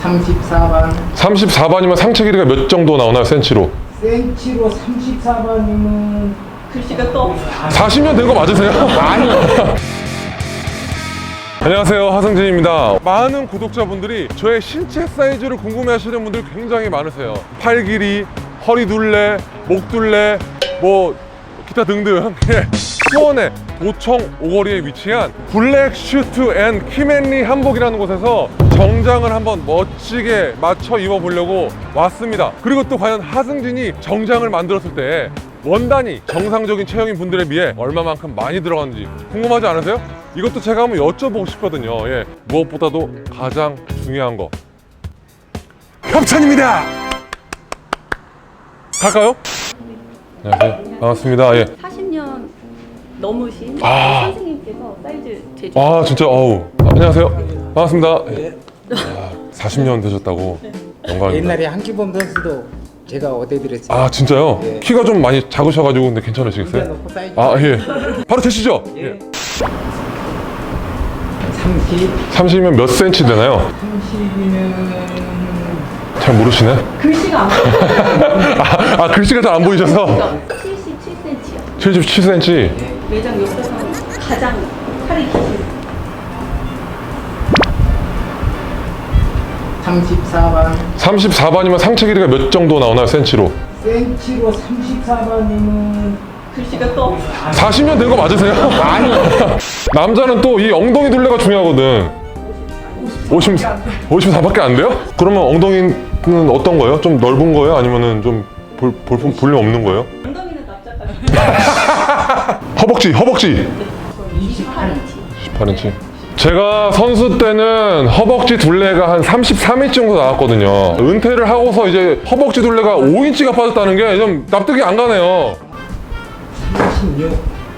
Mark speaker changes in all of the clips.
Speaker 1: 34번.
Speaker 2: 34번이면 상체 길이가 몇 정도 나오나요? 센치로?
Speaker 1: 센치로 34번이면
Speaker 3: 글씨가 또
Speaker 2: 40년 된 거 맞으세요?
Speaker 1: 아니.
Speaker 2: 안녕하세요, 하승진입니다. 많은 구독자분들이 저의 신체 사이즈를 궁금해하시는 분들 굉장히 많으세요. 팔 길이, 허리 둘레, 목 둘레, 뭐 기타 등등. 수원의 도청 오거리에 위치한 블랙 슈트 앤 키맨리 한복이라는 곳에서 정장을 한번 멋지게 맞춰 입어보려고 왔습니다. 그리고 또 과연 하승진이 정장을 만들었을 때 원단이 정상적인 체형인 분들에 비해 얼마만큼 많이 들어가는지 궁금하지 않으세요? 이것도 제가 한번 여쭤보고 싶거든요. 예, 무엇보다도 가장 중요한 거 협찬입니다. 갈까요? 안녕하세요, 반갑습니다. 예.
Speaker 3: 40년 넘으신 선생님께서 사이즈 제조.
Speaker 2: 아 진짜 어우. 안녕하세요, 반갑습니다. 예. 40년 되셨다고. 영광입니다.
Speaker 1: 옛날에 한기범 선수도 제가 어대드렸어요.
Speaker 2: 아 진짜요?
Speaker 1: 예.
Speaker 2: 키가 좀 많이 작으셔가지고 근데 괜찮으시겠어요?
Speaker 1: 놓고 사이즈.
Speaker 2: 아 예. 바로 되시죠?
Speaker 1: 예.
Speaker 2: 30이면 몇 센치 되나요?
Speaker 1: 30이면
Speaker 2: 잘 모르시네.
Speaker 3: 글씨가 안 보여요.
Speaker 2: 글씨가 잘 안 보이셔서
Speaker 3: 77cm요.
Speaker 2: 77cm.
Speaker 3: 매장 옆에서 가장 팔이 기신
Speaker 1: 34번.
Speaker 2: 34번이면 상체 길이가 몇 정도 나오나요? 센치로?
Speaker 1: 센치로 34번이면
Speaker 3: 글씨가 또
Speaker 2: 40년 된 거 맞으세요?
Speaker 1: 아니.
Speaker 2: 남자는 또 이 엉덩이 둘레가 중요하거든. 54밖에 안 돼요? 그러면 엉덩이는 어떤 거예요? 좀 넓은 거예요? 아니면은 좀 볼륨 없는 거예요?
Speaker 3: 엉덩이는 납작하시고
Speaker 2: 허벅지
Speaker 3: 28인치.
Speaker 2: 18인치. 제가 선수 때는 허벅지 둘레가 한 33인치 정도 나왔거든요. 은퇴를 하고서 이제 허벅지 둘레가 5인치가 빠졌다는 게 좀 납득이 안 가네요.
Speaker 1: 36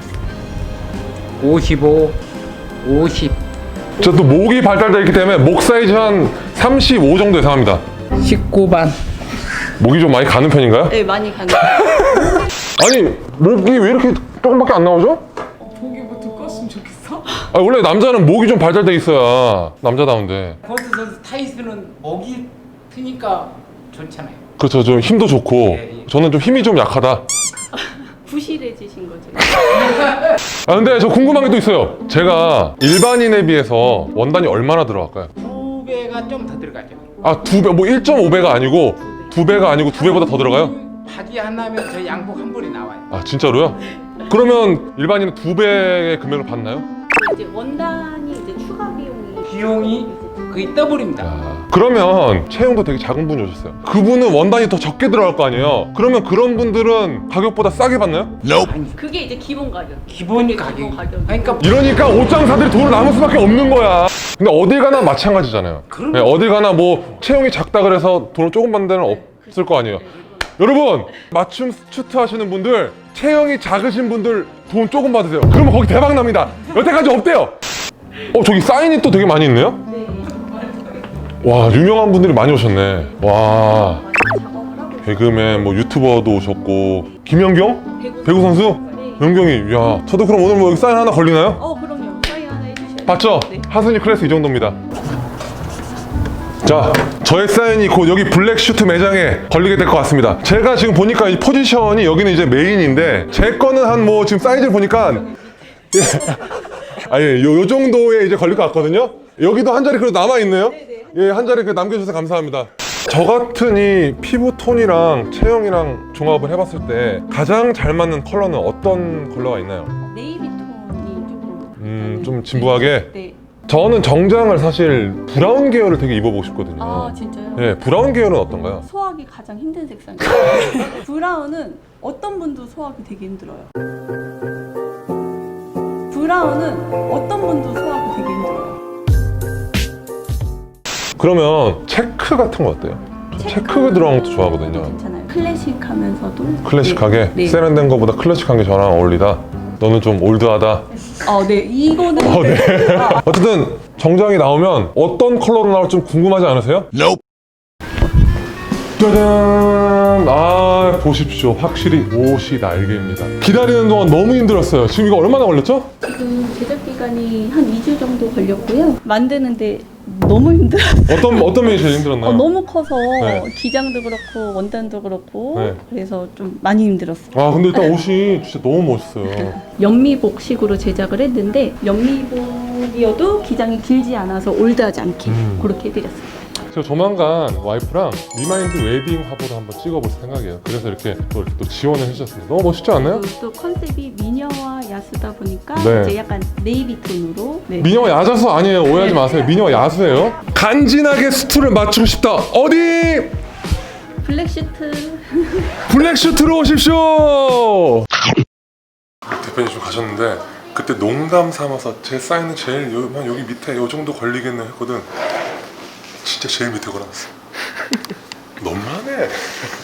Speaker 1: 55 50
Speaker 2: 저 또 목이 발달되어 있기 때문에 목 사이즈 한 35 정도 예상합니다.
Speaker 1: 19번.
Speaker 2: 목이 좀 많이 가는 편인가요?
Speaker 3: 네, 많이 가는.
Speaker 2: 아니 목이 왜 이렇게 조금밖에 안 나오죠?
Speaker 3: 목이 뭐 두꺼웠으면 좋겠어?
Speaker 2: 아니, 원래 남자는 목이 좀 발달돼 있어야 남자다운데.
Speaker 1: 포스 선수 타이스는 목이 트니까 좋잖아요.
Speaker 2: 그렇죠, 좀 힘도 좋고.
Speaker 1: 예.
Speaker 2: 저는 좀 힘이 좀 약하다.
Speaker 3: 부실해지신 거죠.
Speaker 2: 근데 저 궁금한 게 또 있어요. 제가 일반인에 비해서 원단이 얼마나 들어갈까요?
Speaker 1: 2배가 좀 더 들어가죠.
Speaker 2: 아, 2배, 뭐 1.5배가 아니고 2배가 아니고 2배보다 더 들어가요?
Speaker 1: 바지 하나면 저 양복 한 벌이 나와요.
Speaker 2: 아, 진짜로요? 그러면 일반인은 2배의 금액을 받나요?
Speaker 3: 이제 원단이 이제 추가 비용이
Speaker 1: 비용이 거의 더블입니다.
Speaker 2: 그러면 체형도 되게 작은 분이 오셨어요. 그분은 원단이 더 적게 들어갈 거 아니에요? 그러면 그런 분들은 가격보다 싸게 받나요?
Speaker 3: 그게 이제 기본 가격.
Speaker 1: 기본이
Speaker 3: 그게 기본
Speaker 1: 가격.
Speaker 3: 가격이.
Speaker 1: 그러니까
Speaker 2: 이러니까 옷장사들이 돈을 남을 수밖에 없는 거야. 근데 어딜 가나 마찬가지잖아요.
Speaker 1: 그럼-
Speaker 2: 네, 어딜 가나 뭐 체형이 작다 그래서 돈을 조금 받는 데는 없을 거 아니에요. 여러분, 맞춤 슈트 하시는 분들, 체형이 작으신 분들 돈 조금 받으세요. 그러면 거기 대박 납니다. 여태까지 없대요. 저기 사인이 또 되게 많이 있네요. 와, 유명한 분들이 많이 오셨네. 와,
Speaker 3: 작업을 하고
Speaker 2: 개그맨, 뭐 유튜버도 오셨고. 김연경? 배구 선수?
Speaker 3: 네.
Speaker 2: 연경이. 야, 저도 그럼 오늘 뭐 여기 사인 하나 걸리나요?
Speaker 3: 그럼요. 사인 하나 해주셔야
Speaker 2: 봤죠?
Speaker 3: 네.
Speaker 2: 하순이 클래스 이 정도입니다. 자, 저의 사인이 곧 여기 블랙 슈트 매장에 걸리게 될 것 같습니다. 제가 지금 보니까 이 포지션이 여기는 이제 메인인데 제 거는 한 뭐 지금 사이즈를 보니까 요 정도에 이제 걸릴 것 같거든요. 여기도 한 자리 그래도 남아 있네요. 예, 한 자리 남겨주셔서 감사합니다. 저 같은 이 피부 톤이랑 체형이랑 종합을 해봤을 때 가장 잘 맞는 컬러는 어떤 컬러가 있나요?
Speaker 3: 네이비 톤이 조금
Speaker 2: 좀 진부하게?
Speaker 3: 네.
Speaker 2: 저는 정장을 사실 브라운 계열을 되게 입어보고 싶거든요.
Speaker 3: 아 진짜요?
Speaker 2: 예, 브라운 계열은 어떤가요?
Speaker 3: 소화하기 가장 힘든 색상이에요. 브라운은 어떤 분도 소화하기 되게 힘들어요. 브라운은 어떤 분도 소화하기 되게 힘들어요.
Speaker 2: 그러면 체크 같은 거 어때요? 저 체크 들어간 것도 좋아하거든요.
Speaker 3: 괜찮아요. 클래식하면서도
Speaker 2: 클래식하게?
Speaker 3: 네.
Speaker 2: 세련된 거보다 클래식한 게 저랑 어울리다. 너는 좀 올드하다.
Speaker 3: 네. 이거는
Speaker 2: 네. 어쨌든 정장이 나오면 어떤 컬러로 나올지 좀 궁금하지 않으세요? 짜잔! 아, 보십시오. 확실히 옷이 날개입니다. 기다리는 동안 너무 힘들었어요. 지금 이거 얼마나 걸렸죠?
Speaker 3: 지금 제작 기간이 한 2주 정도 걸렸고요. 만드는데 너무 힘들었어요.
Speaker 2: 어떤 면이 제일 힘들었나요?
Speaker 3: 너무 커서
Speaker 2: 네.
Speaker 3: 기장도 그렇고 원단도 그렇고
Speaker 2: 네.
Speaker 3: 그래서 좀 많이 힘들었어요.
Speaker 2: 아, 근데 일단 옷이 진짜 너무 멋있어요.
Speaker 3: 연미복식으로 제작을 했는데 연미복이어도 기장이 길지 않아서 올드하지 않게 그렇게 해드렸어요.
Speaker 2: 제가 조만간 와이프랑 리마인드 웨딩 화보를 한번 찍어볼 생각이에요. 그래서 이렇게 또 지원을 해주셨습니다. 너무 멋있지 않나요?
Speaker 3: 그리고 또 컨셉이 미녀와 야수다 보니까
Speaker 2: 네.
Speaker 3: 이제 약간 네이비 톤으로 네.
Speaker 2: 미녀와 야자수 아니에요. 오해하지 마세요. 미녀와 야수예요. 간지나게 수트를 맞추고 싶다. 어디?
Speaker 3: 블랙슈트
Speaker 2: 블랙슈트로 오십시오. 대표님 좀 가셨는데 그때 농담 삼아서 제 사인은 제일 여기 밑에 요 정도 걸리겠네 했거든. 진짜 제일 밑에 걸어놨어. 너무하네.